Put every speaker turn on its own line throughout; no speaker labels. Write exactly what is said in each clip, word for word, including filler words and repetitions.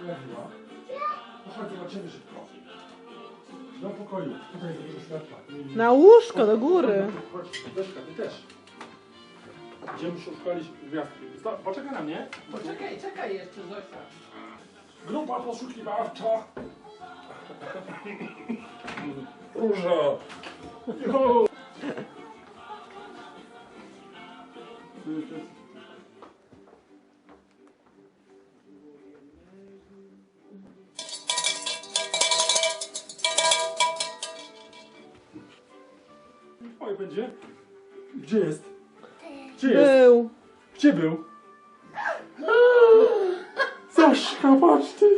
pojawiła. No chodź, zobaczymy szybko. Do pokoju. Tutaj jest dużo światła.
Na łóżko, do góry.
Chodź, Deszka, ty też. Idziemy szukać gwiazdki. Sto- Poczekaj na mnie.
Poczekaj, czekaj jeszcze, Zosia.
Grupa poszukiwawcza. Róża. Jo. Oj, będzie. Gdzie jest? Gdzie jest?
Był.
Gdzie był? Zośka, patrz ty!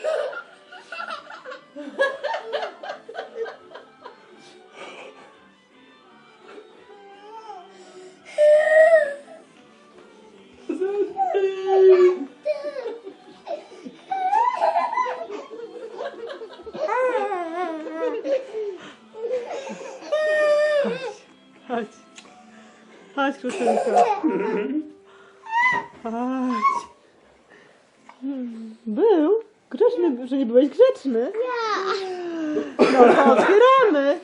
Chodź. Chodź, kruszynko. Chodź. Był? Grzeczny, że nie byłeś grzeczny? No to otwieramy.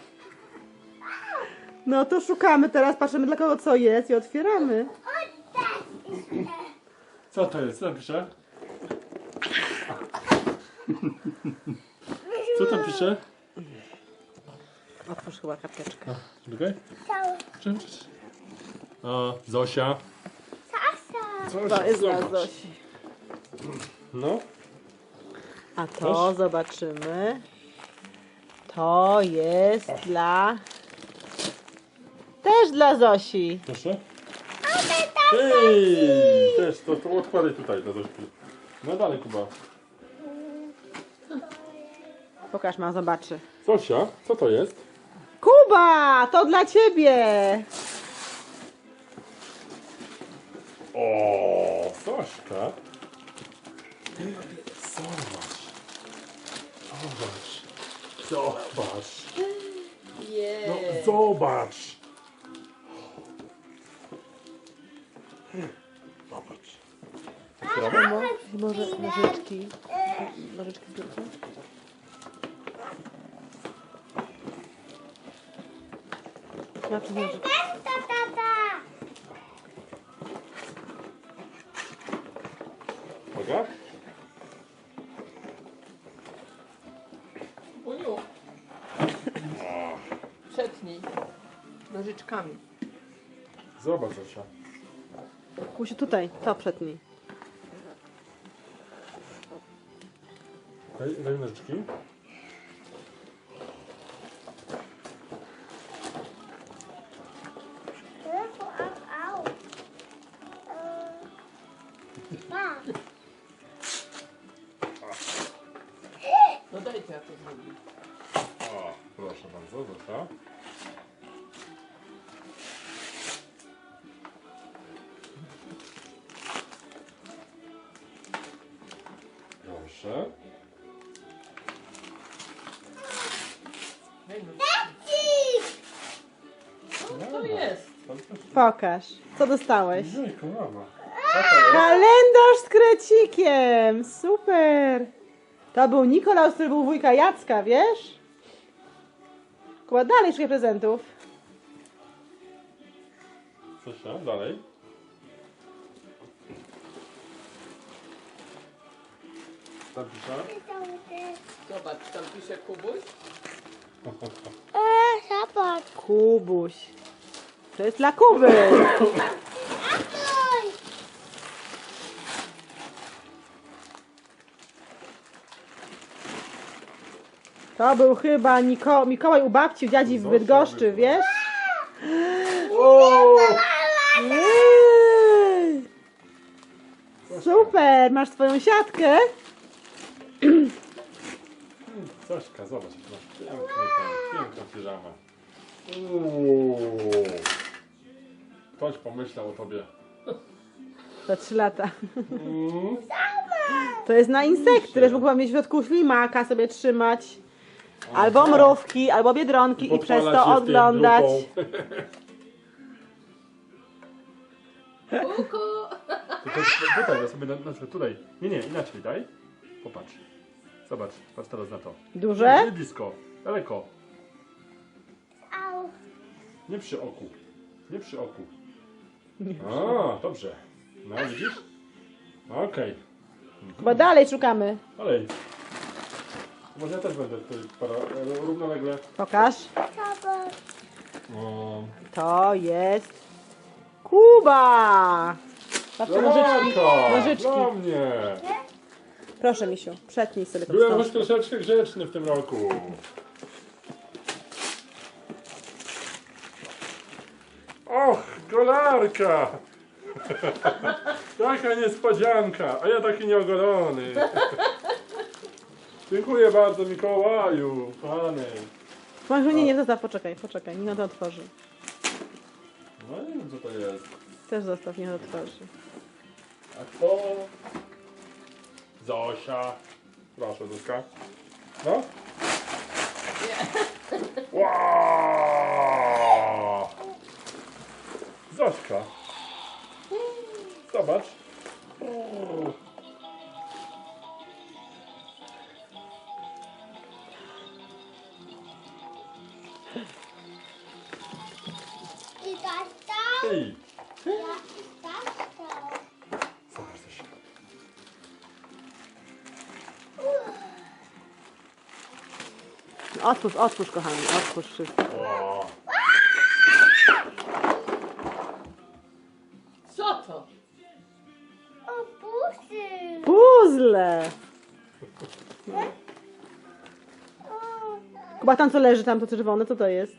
No to szukamy teraz, patrzymy dla kogo co jest i otwieramy.
Co to jest? Co tam pisze? Co tam pisze?
Otwórz chyba karteczkę.
Czekaj. Czym, czym? O, Zosia. Zosia.
To jest dla
zobacz.
Zosi.
No.
A to zobaczymy. To jest dla... Też dla Zosi.
Proszę. Ej, też, to, to odkładaj tutaj dla Zośki. No dalej, Kuba.
Pokaż, ma, zobaczy.
Zosia, co to jest?
Kuba, to dla ciebie.
O, Zośka. Zobacz. Zobacz. Zobacz. No, zobacz. Zobacz.
Mamo, może nożyczki. Nożyczki zbiórka. Na co nożyczki?
Uwaga.
Uniu. Przetnij. Nożyczkami.
Zobacz, Zosia.
Kusiu, tutaj, to przetnij.
Daj, daj nożyczki.
No dajcie, ja to zrobię.
O, proszę bardzo, Zosia. Proszę.
Hej, no. Co to jest?
Pokaż, co dostałeś.
Jejku, mama. Co to jest?
Kalendarz z krecikiem! Super! To był Nikolaus, który był wujka Jacka, wiesz? Kuba, dalej szukaj prezentów.
Zosia, dalej. Tam pisze.
Zobacz, tam pisze Kubuś.
Kubuś. To jest dla Kuby. To był chyba Niko Mikołaj u babci, u dziadzi w Bydgoszczy, wiesz?
O!
Ej! Super, masz twoją siatkę.
Zośka, zobacz, jak masz piękny ten, piękną piżamę. Uuu. Ktoś pomyślał o tobie.
Za trzy lata.
Mm.
To jest na insekty, też mogła mieć w środku ślimaka sobie trzymać. Albo mrówki, albo biedronki i przez
Podpalać
to
je z tym
oglądać.
grupą.
Kuku!
Tylko tutaj, ja sobie na, na przykład tutaj. Nie, nie, inaczej daj. Popatrz. Zobacz, patrz teraz na to.
Duże?
Nie blisko, daleko.
Au.
Nie przy oku. Nie przy oku. A, dobrze. No, widzisz? Okej.
Chyba dalej szukamy.
Dalej. Może ja też będę tutaj para, równolegle.
Pokaż.
Zobacz.
O,
To jest Kuba. Patrzcie, nożyczki.
Blanka,
Nożyczki.
dla mnie.
Proszę, misiu, przetnij sobie to
Byłem choć
wstążkę.
troszeczkę grzeczny w tym roku. Och, golarka! Jaka niespodzianka, a ja taki nieogolony. Dziękuję bardzo, Mikołaju, pany.
Może nie, nie, zostaw, poczekaj, poczekaj, niech on to otworzy.
No nie wiem, co to jest.
Też zostaw, niech on otworzy.
A to... Zosia. Proszę, Zuzka. No. Wow! Zośka. Zobacz. O.
I dostał.
Ej,
Ja dostał.
zobacz Zosia.
Otwórz, otwórz, kochani, otwórz wszystko.
O.
Co to?
O, busy.
Puzzle!
O,
Kuba, tam co leży, tam to czerwone, co to jest?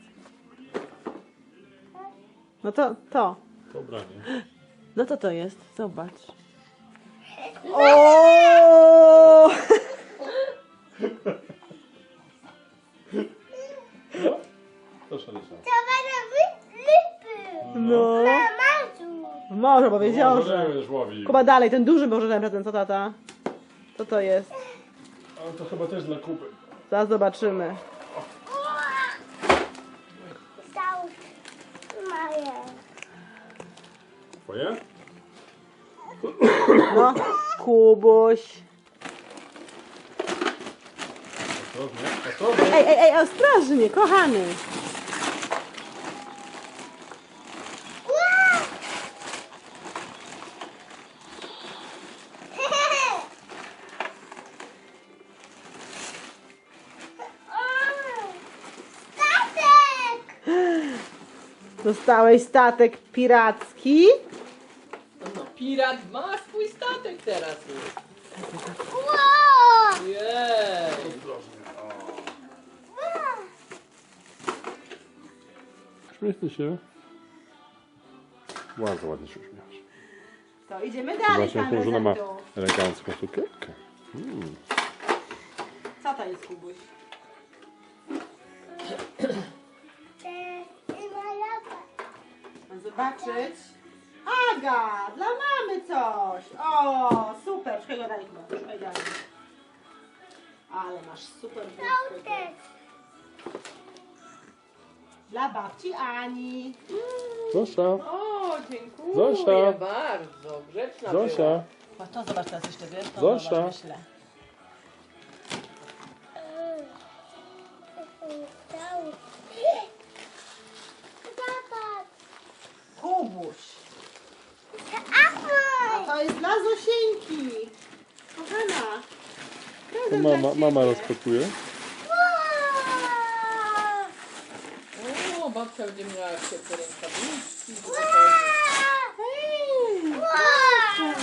No to, to.
Dobra, nie?
No to to jest, zobacz. O!
No? Proszę, Rysia.
to będą wy- lipy.
No.
Mamazu.
Może powiedział,
Może
że...
będziesz łowił.
Kuba, dalej, ten duży może ten prezent, co tata? Co to jest?
Ale to chyba też dla Kuby.
Zaraz zobaczymy.
Dostał. Moje.
Twoje?
No, Kubuś.
Ostrożnie, ostrożnie.
Ej, ej, ej, ostrożnie, kochany.
Statek!
Dostałeś statek piracki.
No, pirat ma swój statek teraz już.
Wow!
Jej!
Uśmiechnij się. Bardzo ładnie się uśmiechasz.
To idziemy dalej,
Zobaczmy,
pan
jaką żona ma
prezentu.
elegancką sukienkę. Mm.
Co to jest, Kubuś? Mam zobaczyć. Aga, dla mamy coś. O, super. Szukaj go dalej, Kuba. Szukaj dalej. Ale masz super bluzkę.
Statek!
Dla babci Ani.
Zosia,
O, dziękuję
Zosia.
bardzo. Grzeczna
Zosia.
była.
O, to zobacz teraz jeszcze, wiesz? To
Zosia.
zobacz, myślę.
Zobacz!
Kubuś.
Ahoj!
To jest dla Zosieńki. Kochana.
To
Prezent dla
mama,
ciebie.
mama rozpakuje.
Wow!
O, babcia będzie miała ciepłe rękawiczki.
Ej,
Wow!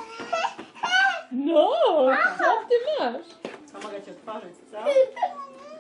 No, co ty masz?
a mogę ci otworzyć, co?